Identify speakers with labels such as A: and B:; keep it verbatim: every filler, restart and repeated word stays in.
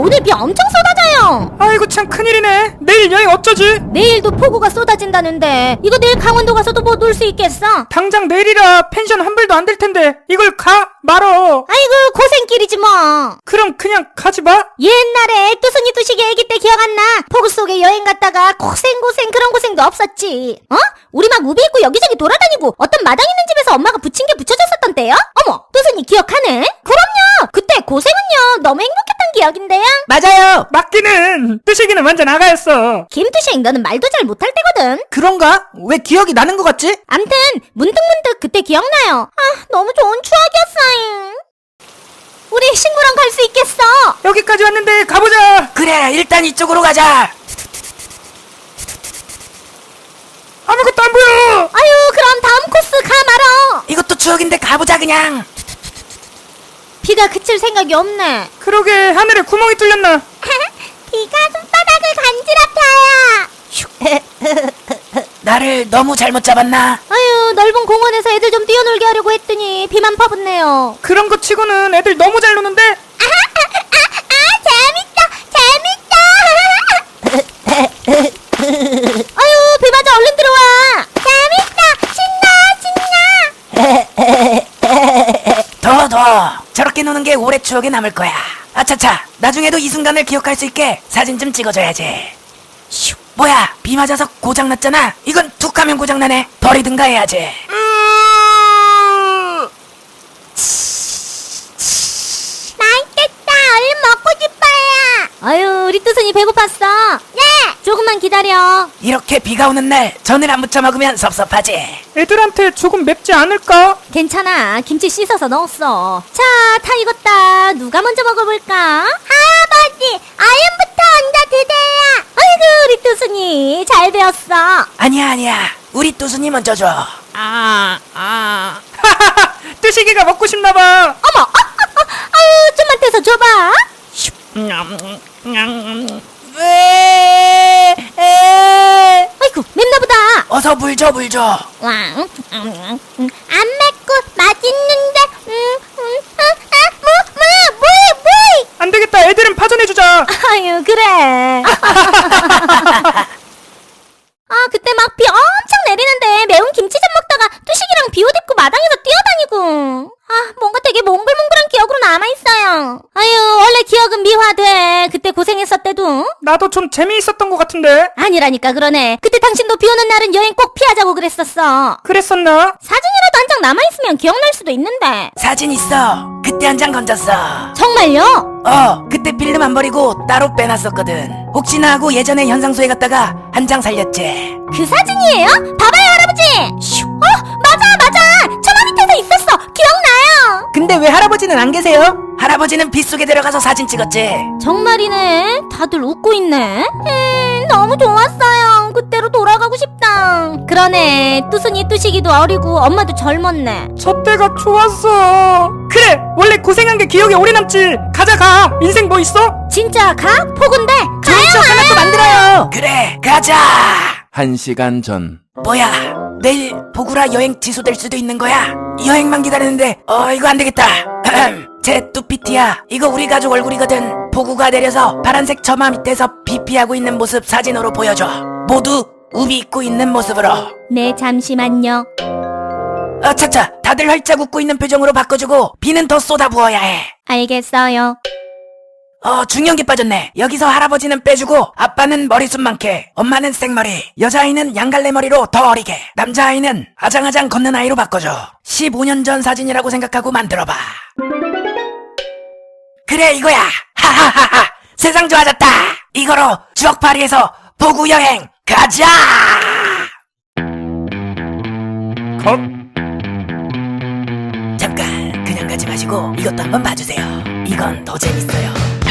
A: 오늘 비 엄청 쏟아져요.
B: 아이고 참 큰일이네. 내일 여행 어쩌지?
A: 내일도 폭우가 쏟아진다는데 이거 내일 강원도 가서도 뭐 놀 수 있겠어?
B: 당장 내일이라 펜션 환불도 안 될 텐데 이걸 가 말어.
A: 아이고 고생길이지 뭐.
B: 그럼 그냥 가지 마.
A: 옛날에 뚜순이 뚜식이 애기 때 기억 안 나? 폭우 속에 여행 갔다가 고생고생 그런 고생도 없었지. 어? 우리 막 우비 입고 여기저기 돌아다니고 어떤 마당 있는 집에서 엄마가 부침개 부쳐줬었던 때요? 어머 뚜순이 기억하네? 그럼요. 그때 고생은요 너무 행복했던 기억인데요.
C: 맞아요.
B: 맞기는 뚜식이는 완전 아가였어.
A: 김뚜식 너는 말도 잘 못할 때거든.
C: 그런가? 왜 기억이 나는 것 같지?
A: 암튼 문득문득 그때 기억나요. 아 너무 좋은 추억이었어요. 우리 친구랑 갈 수 있겠어.
B: 여기까지 왔는데 가보자.
C: 그래, 일단 이쪽으로 가자.
B: 아무것도 안 보여.
A: 아유 그럼 다음 코스 가 말어.
C: 이것도 추억인데 가보자 그냥.
A: 비가 그칠 생각이 없네.
B: 그러게 하늘에 구멍이 뚫렸나.
A: 비가 손바닥을 간지럽혀요.
C: 나를 너무 잘못 잡았나?
A: 아유 넓은 공원에서 애들 좀 뛰어놀게 하려고 했더니 비만 퍼붓네요.
B: 그런 거 치고는 애들 너무 잘 노는데.
A: 아 재밌다 재밌다. 아유 비 맞아 얼른 들어와. 재밌다 신나 신나.
C: 더, 더. 저렇게 노는 게 오래 추억에 남을 거야. 아차차, 나중에도 이 순간을 기억할 수 있게 사진 좀 찍어줘야지. 슉. 뭐야, 비 맞아서 고장났잖아. 이건 툭 하면 고장나네. 버리든가 해야지.
A: 맛있겠다. 얼른 먹고 싶어요. 아유 우리 뚜순이 배고팠어. 네. 조금만 기다려.
C: 이렇게 비가 오는 날 전을 안 무쳐 먹으면 섭섭하지.
B: 애들한테 조금 맵지 않을까?
A: 괜찮아. 김치 씻어서 넣었어. 자, 다 익었다. 누가 먼저 먹어볼까? 할아버지, 얼른부터 얹어 드세요. 아이고, 우리 뚜순이 잘 배웠어.
C: 아니야, 아니야. 우리 뚜순이 먼저 줘.
A: 아, 아.
B: 하하하. 뚜식이가 먹고 싶나봐.
A: 어머, 아, 아, 아, 아유, 좀만 떼서 줘봐.
C: 왜? 에?
A: 아이고, 맵나보다.
C: 어서 물 줘, 물 줘.
A: 왕, 음, 음, 음. 안 맵고 맛있는데, 음, 음, 아, 아, 뭐, 뭐, 뭐, 뭐.
B: 안 되겠다. 애들은 파전해주자.
A: 아유 그래. 아 그때 막 비 엄청 내리는데 매운 김치전 먹다가 뚜식이랑 비옷 입고 마당에서 뛰어다니고 아 뭔가 되게 몽글몽글한 기억으로 남아있어요. 아유 원래 기억은 미화돼. 그때 고생했었대도.
B: 나도 좀 재미있었던 것 같은데.
A: 아니라니까 그러네. 그때 당신도 비 오는 날은 여행 꼭 피하자고 그랬었어.
B: 그랬었나?
A: 사진이라도 한 장 남아있으면 기억날 수도 있는데.
C: 사진 있어. 그때 한 장 건졌어.
A: 정말요?
C: 어, 그때 필름 안 버리고 따로 빼놨었거든. 혹시나 하고 예전에 현상소에 갔다가 한 장 살렸지.
A: 그 사진이에요? 봐봐요 할아버지. 슉. 어 맞아 맞아. 처마 밑에서 있었어. 기억나요.
C: 근데 왜 할아버지는 안 계세요? 할아버지는 빗속에 들어가서 사진 찍었지.
A: 정말이네. 다들 웃고 있네. 음, 너무 좋았어요. 그때로 돌아가고 싶다. 그러네. 뚜순이 뚜식이도 어리고 엄마도 젊었네.
B: 저 때가 좋았어. 그래. 원래 고생한 게 기억에 오래 남지. 가자 가. 인생 뭐 있어?
A: 진짜 가? 폭운데?
C: 좋은 추억 하나 또 만들어요. 그래, 가자.
D: 한 시간 전.
C: 뭐야, 내일 보구라 여행 취소될 수도 있는 거야? 여행만 기다리는데 어 이거 안 되겠다. 제 뚜피티야, 이거 우리 가족 얼굴이거든. 보구가 내려서 파란색 처마 밑에서 비피하고 있는 모습 사진으로 보여줘. 모두 우비 입고 있는 모습으로.
A: 네 잠시만요.
C: 어 차차, 다들 활짝 웃고 있는 표정으로 바꿔주고 비는 더 쏟아부어야 해.
A: 알겠어요.
C: 어 중요한 게 빠졌네. 여기서 할아버지는 빼주고 아빠는 머리숱 많게, 엄마는 생머리, 여자아이는 양갈래 머리로 더 어리게, 남자아이는 아장아장 걷는 아이로 바꿔줘. 십오 년 전 사진이라고 생각하고 만들어봐. 그래 이거야. 하하하하. 세상 좋아졌다. 이거로 추억파리에서 보구 여행 가자.
B: 컷.
C: 잠깐 그냥 가지 마시고 이것도 한번 봐주세요. 이건 더 재밌어요.